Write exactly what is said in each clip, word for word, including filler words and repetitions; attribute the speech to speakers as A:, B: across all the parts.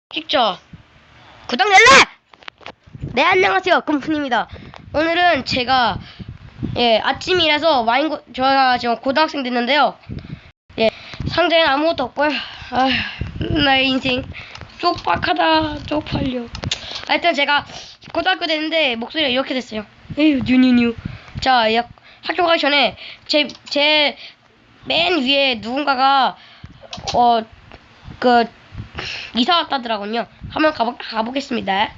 A: 찍죠. 구독 눌러! 네, 안녕하세요. 금fun입니다. 오늘은 제가 예 아침이라서 와인 저희가 지금 고등학생 됐는데요. 예 상자에는 아무것도 없고요. 아 나의 인생 쪽박하다 쪽팔려. 하여튼 제가 고등학교 됐는데 목소리가 이렇게 됐어요. 에휴 뉴뉴뉴. 자 약, 학교 가기 전에 제 제 맨 위에 누군가가 어 그 이사 왔다더라군요. 한번 가보, 가보겠습니다.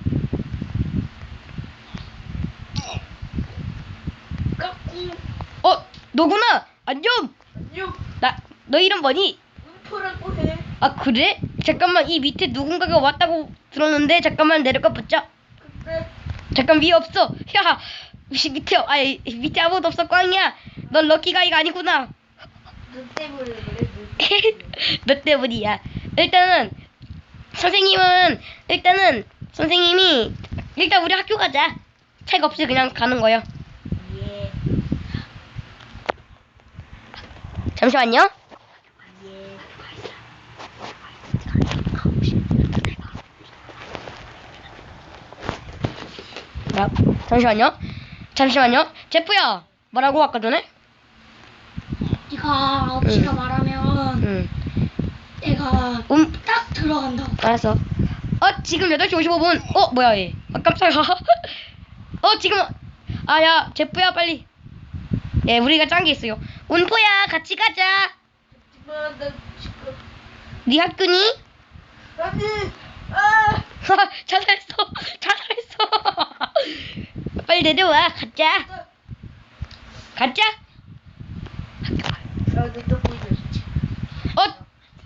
A: 어, 너구나. 안녕.
B: 안녕.
A: 나, 너 이름 뭐니?
B: 음포라고 해.
A: 아, 그래? 잠깐만, 이 밑에 누군가가 왔다고 들었는데, 잠깐만 내려가 보자.
B: 근데
A: 잠깐, 위에 없어. 야, 위- 밑에, 아이, 밑에 아무도 없어, 꽝이야. 넌 럭키가이가 아니구나.
B: 눈 때문에 그래. 눈.
A: 너 때문이야. 일단은, 선생님은, 일단은, 선생님이, 일단 우리 학교 가자. 책 없이 그냥 가는 거요.
B: 예.
A: 잠시만요.
B: 예.
A: 나, 잠시만요. 잠시만요. 제프야, 뭐라고 아까 전에?
B: 네가 아홉 시가
A: 응.
B: 말하면
A: 응.
B: 내가
A: 음,
B: 딱 들어간다고.
A: 알았어. 어, 지금 여덟 시 오십오 분. 어, 뭐야, 얘. 아, 깜짝이야. 어, 지금. 아, 야, 제프야, 빨리. 예, 우리가 짠 게 있어요. 운포야, 같이 가자.
B: 하지만 나 지금
A: 네 학교니?
B: 아니. 아.
A: 자살했어. 자살했어. 빨리 내려와. 가자. 가자.
B: 나도 보여줬지.
A: 어?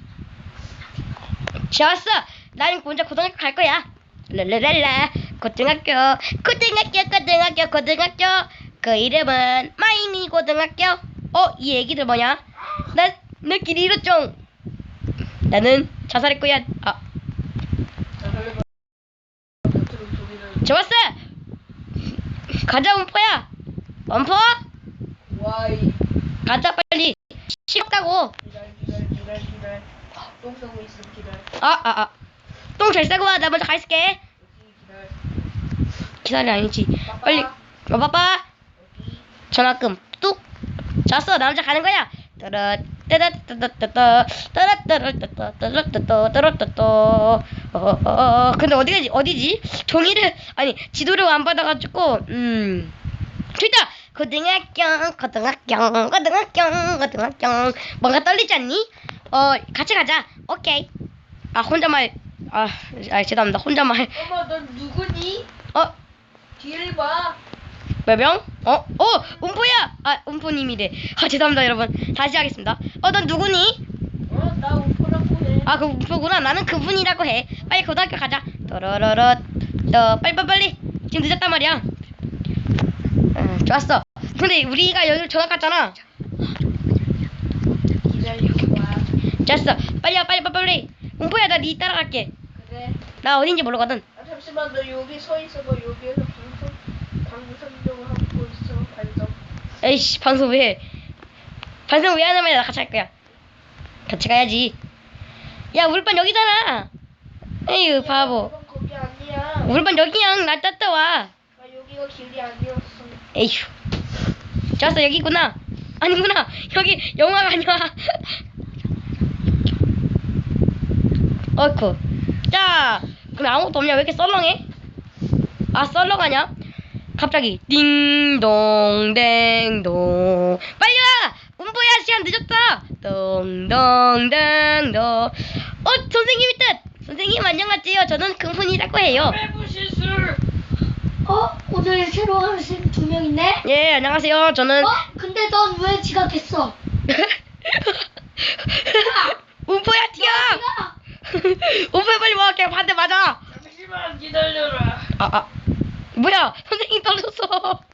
A: 좋았어. 난 혼자 고등학교 갈 거야. 랄랄랄라. 고등학교, 고등학교, 고등학교, 고등학교. 그 이름은 마이미 고등학교. 어, 이 애기들 뭐냐? 나, 내 길이 잃었죠. 나는 자살할 거야. 아, 좋았어. 가자, 원포야. 원포?
B: 와이.
A: 가자, 빨리. 싫다고.
B: 기다려 기다려 기다려 기다려. 똥 싸고 있어 기다려.
A: 아, 아, 아. 똥 잘 싸고 와. 나 먼저 가 있을게.
B: 여기 기다려.
A: 기다려, 아니지. 빨리. 어, 빠빠.
B: 여기.
A: 전화금 뚝. 잤어. 나 혼자 가는 거야. 따라 따라 따라 따라 따라 따라 따라 따라 따라 따라 따라. 어, 근데 어디지? 어디지? 종이를 아니 지도를 안 받아가지고 음. 됐다. 고등학교 고등학교 고등학교 고등학교. 뭔가 떨리지 않니? 어 같이 가자. 오케이. 아 혼자말. 아, 아 죄송합니다. 혼자말.
B: 엄마 넌 누구니?
A: 어
B: 뒤를 봐.
A: 몇 명? 어? 어! 음포야! 아, 음포님이래. 아, 죄송합니다, 여러분. 다시 하겠습니다. 어, 넌 누구니?
B: 어, 나 음포라고 해.
A: 아, 그 음포구나. 나는 그분이라고 해. 빨리 고등학교 가자. 또로로로. 또, 빨리, 빨리, 빨리. 지금 늦었단 말이야. 응, 좋았어. 근데 우리가 여기로 전학 갔잖아.
B: 기다려봐.
A: 좋았어. 빨리 와, 빨리, 빨리, 빨리. 음포야, 나 니 따라갈게.
B: 그래.
A: 나 어딘지 모르거든.
B: 아 잠시만 너 여기 서 있어봐. 여기에서 방송 방송용을 하고 있어. 반성.
A: 에이씨, 방송 왜 해? 방송 왜 하냐면 나 같이 할 거야. 같이 가야지. 야, 우리 반 여기잖아. 에휴, 바보.
B: 이건 거기 아니야.
A: 우리 반 여기야. 나 따라와.
B: 아 여기가 길이 아니었어.
A: 에휴. 좋았어, 여기구나. 아니구나. 여기 영화가 아니야. 어이쿠. 자, 그럼 아무것도 없냐? 왜 이렇게 썰렁해? 아, 썰렁하냐? 갑자기 띵동 댕동. 빨리 와! 운보야, 시간 늦었다. 동동댕동. 어, 선생님이 뜻. 선생님 안녕하세요. 저는 금fun이라고 해요.
B: 실술. 어? 오늘 새로 하는 쌤 두 명 있네?
A: 예, 안녕하세요. 저는
B: 어? 근데 넌 왜 지각했어?
A: 운보야, 튀어. 운보야, 빨리 와. 그냥 반대 맞아.
B: 잠시만 기다려라.
A: 아, 아. 뭐야? 선생님 떨어졌어.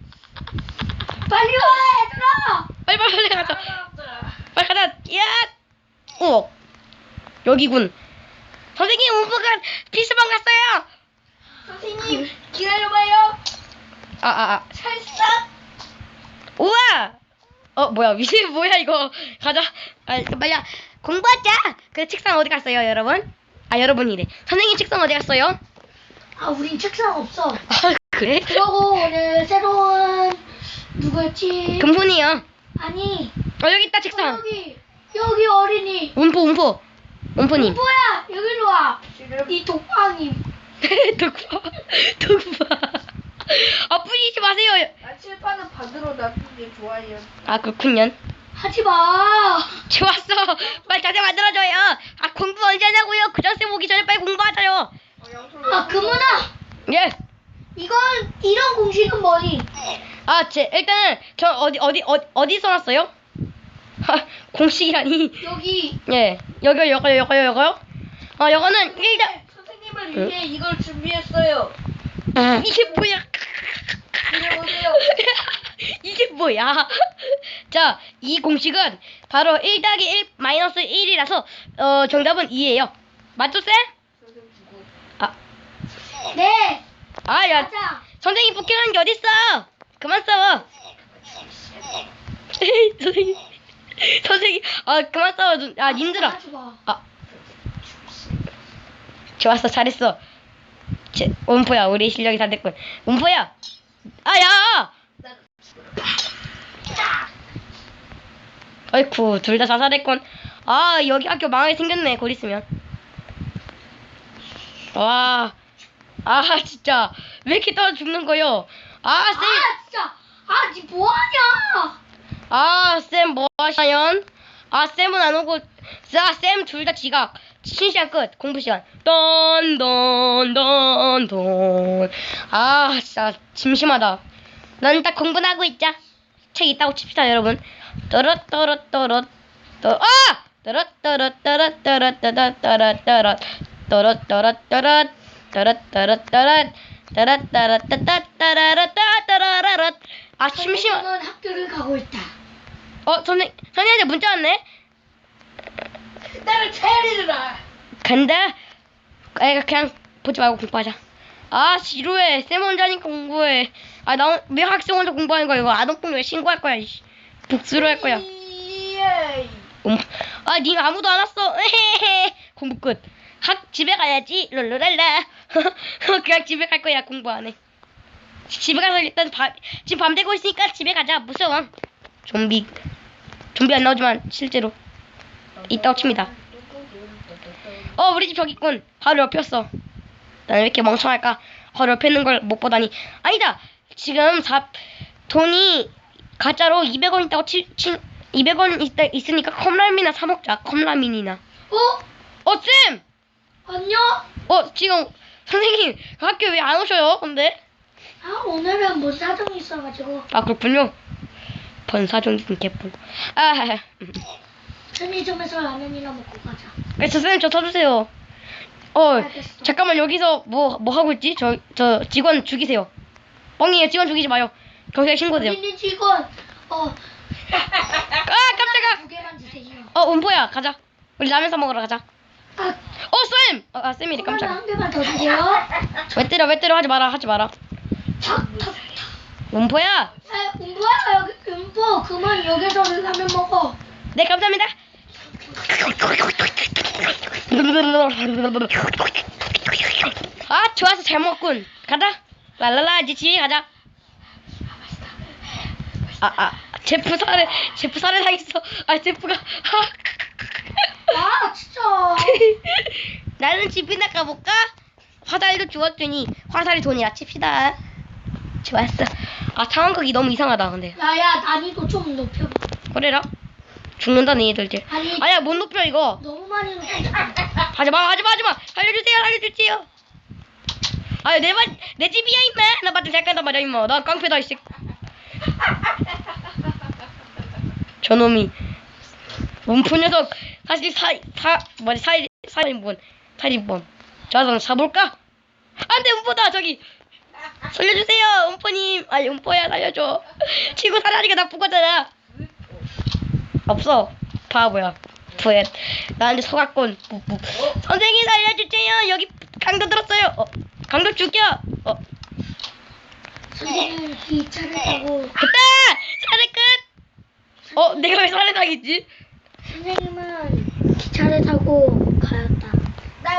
B: 빨리 와 얘들아.
A: 빨리 빨리 빨리 가자.
B: 알았다.
A: 빨리 가자. 야! 어. 여기군. 선생님, 운보가 피스방 갔어요.
B: 선생님 기다려봐요.
A: 아, 아, 아.
B: 살짝.
A: 우와! 어, 뭐야? 위에 뭐야, 이거. 가자. 아, 빨리 공부하자. 그 책상 어디 갔어요, 여러분? 아 여러분이래. 선생님 책상 어디 갔어요?
C: 아, 우린 책상 없어.
A: 아 그래?
C: 그러고 오늘 새로운 누구였지?
A: 금손이요.
C: 아니,
A: 어 여기 있다
C: 어,
A: 책상.
C: 여기 여기 어린이.
A: 운포 운포. 운포님.
C: 뭐야? 여기로 와.
B: 지금
C: 이 독방이.
A: 독파 독파. 아 뿌리지 마세요.
B: 아, 칠판은 반으로 놔두는 게 좋아요.
A: 아 그렇군요.
C: 하지 마.
A: 좋았어. 빨리 자세 만들어줘요. 아 공부 언제 하냐고요? 교장쌤 오기 전에 빨리 공부하자요.
B: 어, 양손으로
C: 아, 금은아.
A: 예.
C: 이건 이런 공식은 뭐니?
A: 아, 제 일단은 저 어디 어디 어디 어디 써놨어요? 하, 공식이라니.
C: 여기
A: 예. 여기요, 여기요, 여기요, 여기요. 어, 여기는 일단
B: 선생님을 위해 이걸 준비했어요.
A: 이게 뭐야?
B: 이리 오세요.
A: 이게 뭐야? 자, 이 공식은 바로 일 더하기 일 마이너스 일이라서 어 정답은 이예요. 맞죠, 쌤?
B: 선생님 주고.
A: 아,
C: 네.
A: 아, 야,
C: 가자.
A: 선생님 폭행하는 게 어딨어? 그만 싸워. 선생님, 선생님, 아 그만 싸워. 눈- 아, 님들아.
C: 하지 마.
A: 아, 좋았어, 잘했어. 제, 원포야, 우리 실력이 다 됐군. 원포야, 아, 야! 어이쿠, 둘 다 자살했군. 아, 여기 학교 망하게 생겼네, 곧 있으면. 와, 아, 진짜. 왜 이렇게 떨어 죽는 거요? 아, 쌤,
C: 아, 진짜. 아, 니 뭐하냐?
A: 아, 쌤, 뭐 하시나요? 아, 쌤은 안 오고, 자, 쌤 둘 다 지각. 쉬는 시간 끝. 공부 시간. 돈, 돈, 돈, 돈. 아, 진짜, 심심하다. 난 딱 공부나 하고 있자. 책 있다고 칩시다, 여러분. 떠럿, 떠럿, 떠럿, 떠, 아! 떠럿, 떠럿, 떠럿, 떠럿, 떠럿, 떠럿, 떠럿. 떠럿, 떠럿, 떠럿. 떠럿, 떠럿, 떠럿. 떠럿, 떠럿, 떠럿, 떠럿, 떠럿. 아, 심심하.
C: 선생님은 학교를 가고 있다.
A: 어, 선생, 선생님한테 문자 왔네?
B: 나를 체리라.
A: 간다? 애가 그냥 보지 말고 공부하자. 아, 지루해. 쌤 혼자니까 공부해. 아, 나, 왜 학생 혼자 공부하는 거야? 이거 아동폭력 신고할 거야, 이씨. 복수로 할 거야.
B: 예이.
A: 음. 아, 니 아무도 안 왔어. 에헤헤. 공부 끝. 학, 집에 가야지. 롤롤랄라. 그냥 집에 갈 거야, 공부 안 해. 집에 가서 일단 밤, 지금 밤 되고 있으니까 집에 가자. 무서워. 좀비. 좀비 안 나오지만, 실제로. 있다고 칩니다. 어, 우리 집 저기 있군. 바로 옆이었어. 나는 왜 이렇게 멍청할까? 바로 옆에 있는 걸 못 보다니. 아니다. 지금 사, 돈이 가짜로 이백 원 있다고 치, 치, 이백 원 있다, 있으니까 컵라면이나 사 먹자. 컵라면이나.
C: 어?
A: 어, 쌤!
C: 안녕?
A: 어, 지금 선생님 학교 왜 안 오셔요? 근데?
C: 아, 오늘은 뭐 사정이 있어가지고.
A: 아, 그렇군요. 번사종인 개뿔. 아,
C: 편의점에서 라면이나 먹고 가자.
A: 그래서 쌤 저 쳐주세요. 어,
C: 알겠어.
A: 잠깐만 여기서 뭐 뭐 하고 있지? 저 저 직원 죽이세요. 뻥이에요. 직원 죽이지 마요. 경찰에 신고돼요.
C: 어린이 직원. 어.
A: 아, 깜짝아.
C: 두 개만 주세요.
A: 어, 은포야, 가자. 우리 라면 사 먹으러 가자.
C: 아,
A: 어, 쌤. 어, 아, 쌤이래.
C: 그러면
A: 깜짝아.
C: 한 개만 더 주세요.
A: 왜 때려? 왜 때려? 하지 마라. 하지 마라.
C: 탁, 탁.
A: 은포야.
C: 에, 뭐야 여기 음포 그만 여기서 라면 먹어.
A: 네, 감사합니다. 아, 좋아서 잘 먹군. 가자. 랄랄라, 이제 집에 가자. 아, 아, 제프 살해, 제프 살해 당했어. 아, 제프가.
C: 아 진짜.
A: 나는 집이나 가볼까? 화살도 주었더니 화살이 돈이라 칩시다. 좋았어. 아, 상황극이 너무 이상하다, 근데.
C: 야야 난이도 좀 높여봐.
A: 그래라. 죽는다, 너희들.
C: 아니
A: 아니야, 못 높여, 이거.
C: 너무 많이 높여.
A: 하지마, 하지마, 하지마. 살려주세요, 살려주세요. 아, 내 말, 내 집이야, 임마. 나 맞아, 잘 간다 말이야, 임마. 난 깡패다, 이씨. 저놈이. 몸푼 녀석. 사실 사, 사, 뭐지, 사, 살인범. 살인범. 저 사람 사볼까? 안 돼, 음포다, 저기. 살려주세요, 음포님. 아니, 음포야, 살려줘. 친구 사라지가 나쁜 거잖아. 없어. 바보야. 부엣. 나한테 속았군. 부, 부. 선생님 살려주세요. 여기 강도 들었어요. 어, 강도 죽여. 어,
C: 선생님 기차를 타고.
A: 됐다. 사례 끝. 어, 내가 왜 사례 당했지?
C: 선생님은 기차를 타고 가였다.
B: 나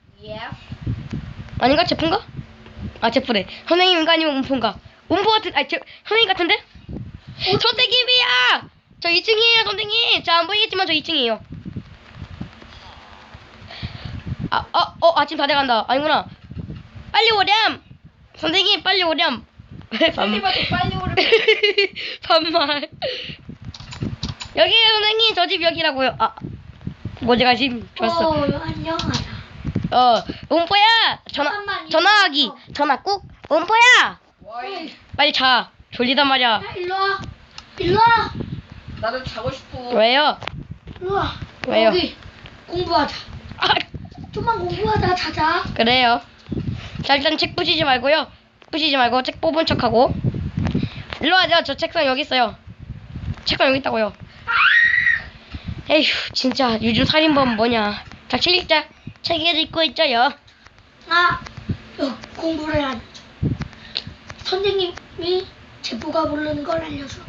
B: 예.
A: 아닌가? 제프인가? 아 제프래. 선생님인가 아니면 음포인가? 음포 같은 아니 제 선생님 같은데? 선생님이야! 저 이 층이에요 선생님. 자 안 보이겠지만 저 이 층이에요. 아, 어, 어, 아침 다 돼간다. 아니구나. 빨리 오렴! 선생님, 빨리 오렴!
B: 선생님한테 빨리 오르면
A: 반말. 여기에요, 선생님. 저 집 여기라고요. 아, 모제가 집 좋았어.
C: 어, 안녕하다.
A: 어, 음포야! 전화,
C: 잠깐만,
A: 전화하기.
C: 이거.
A: 전화 꾹. 음포야!
B: 와이.
A: 빨리 자. 졸리단 말이야.
C: 야, 일로 와. 일로 와.
B: 나도 자고 싶어.
A: 왜요?
C: 일로 와.
A: 왜요?
C: 여기 공부하자.
A: 아,
C: 좀만 공부하다 자자.
A: 그래요. 자, 일단 책 부시지 말고요. 부시지 말고 책 뽑은 척하고. 일로 와줘. 저 책상 여기 있어요. 책상 여기 있다고요. 에휴, 진짜 요즘 살인범 뭐냐. 자, 책 읽자. 책을 읽고 있죠요.
C: 아, 여, 공부를 한 선생님이 제보가 모르는 걸 알려줘.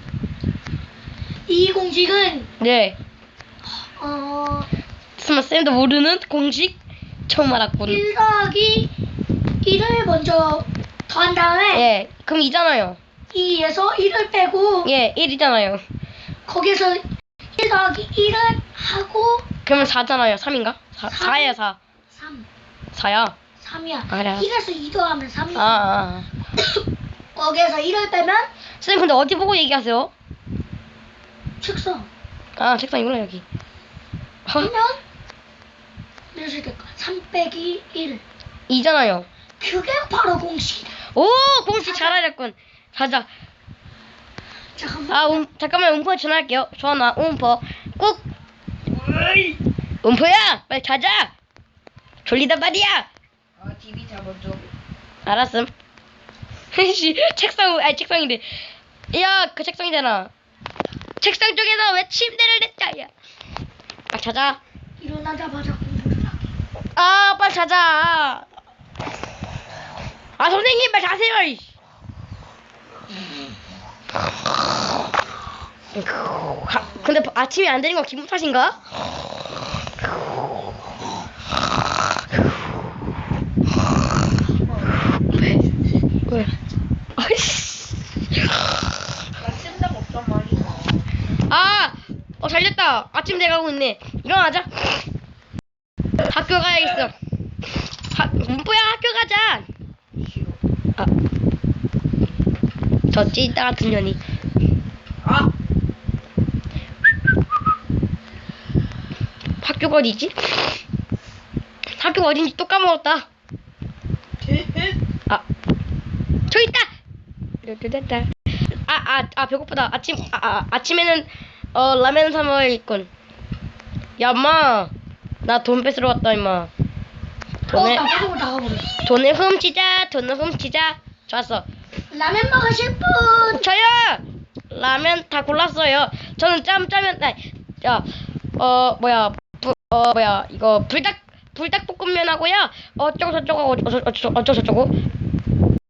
C: 이 공식은
A: 네.
C: 어
A: 설마 쌤도 모르는 공식? 처음 알았군.
C: 일 더하기 일을 먼저 더한 다음에
A: 예, 그럼 이잖아요.
C: 이에서 일을 빼고
A: 예, 일이잖아요.
C: 거기서 일 더하기 일을 하고
A: 그러면 사잖아요. 삼인가? 사,
C: 삼.
A: 사야 사.
C: 삼.
A: 사야.
C: 삼이야.
A: 아, 그래요?
C: 일에서 이 더하면 삼이야.
A: 아, 아.
C: 거기에서 일을 빼면
A: 쌤 근데 어디 보고 얘기하세요?
C: 책상.
A: 아, 책상 이구나 여기.
C: 하면 이렇게 될 거야. 삼 빼기 일.
A: 이잖아요.
C: 그게 바로 공식이다.
A: 오, 공식 잘 알았군. 가자.
C: 잠깐만.
A: 아, 음, 잠깐만 음포 전화할게요. 전화 음포 꾹. 음포야, 빨리 자자. 졸리단 말이야.
B: 아, 티비 잡아줘.
A: 알았음. 씨, 책상, 아니 책상인데. 야, 그 책상이잖아. 책상 쪽에서 왜 침대를 냈자, 야. 아, 자자.
C: 일어나자마자 공부를 하기.
A: 아, 빨리 자자. 아, 선생님, 빨리 자세요. 이씨. 하, 근데 아침에 안 되는 건 기분 탓인가? 왜? 왜? 아이씨.
B: 나 쓴다고 없단 말이야.
A: 아, 어 잘렸다. 아침 돼가고 있네. 일어나자. 학교 가야겠어. 하, 문뽀야 학교 가자.
B: 싫어.
A: 아, 저 찐따 같은 년이.
B: 아,
A: 학교가 어디지? 학교가 어딘지 또 까먹었다. 아, 저기 있다. 됐다. 아, 아, 아 배고프다. 아침, 아, 아 아침에는 어 라면 사 먹을군. 야 엄마 나 돈 뺏으러 왔다 임마.
C: 어,
A: 돈을
C: 나가고 나가버렸어.
A: 돈을 훔치자 돈을 훔치자. 좋았어.
C: 라면 먹으실 분.
A: 저요 라면 다 골랐어요. 저는 짬짜면 야어 뭐야 부, 어 뭐야 이거 불닭 불닭볶음면 하고요. 어쩌고 저쩌고 어쩌고 어쩌고 어쩌고 저쩌고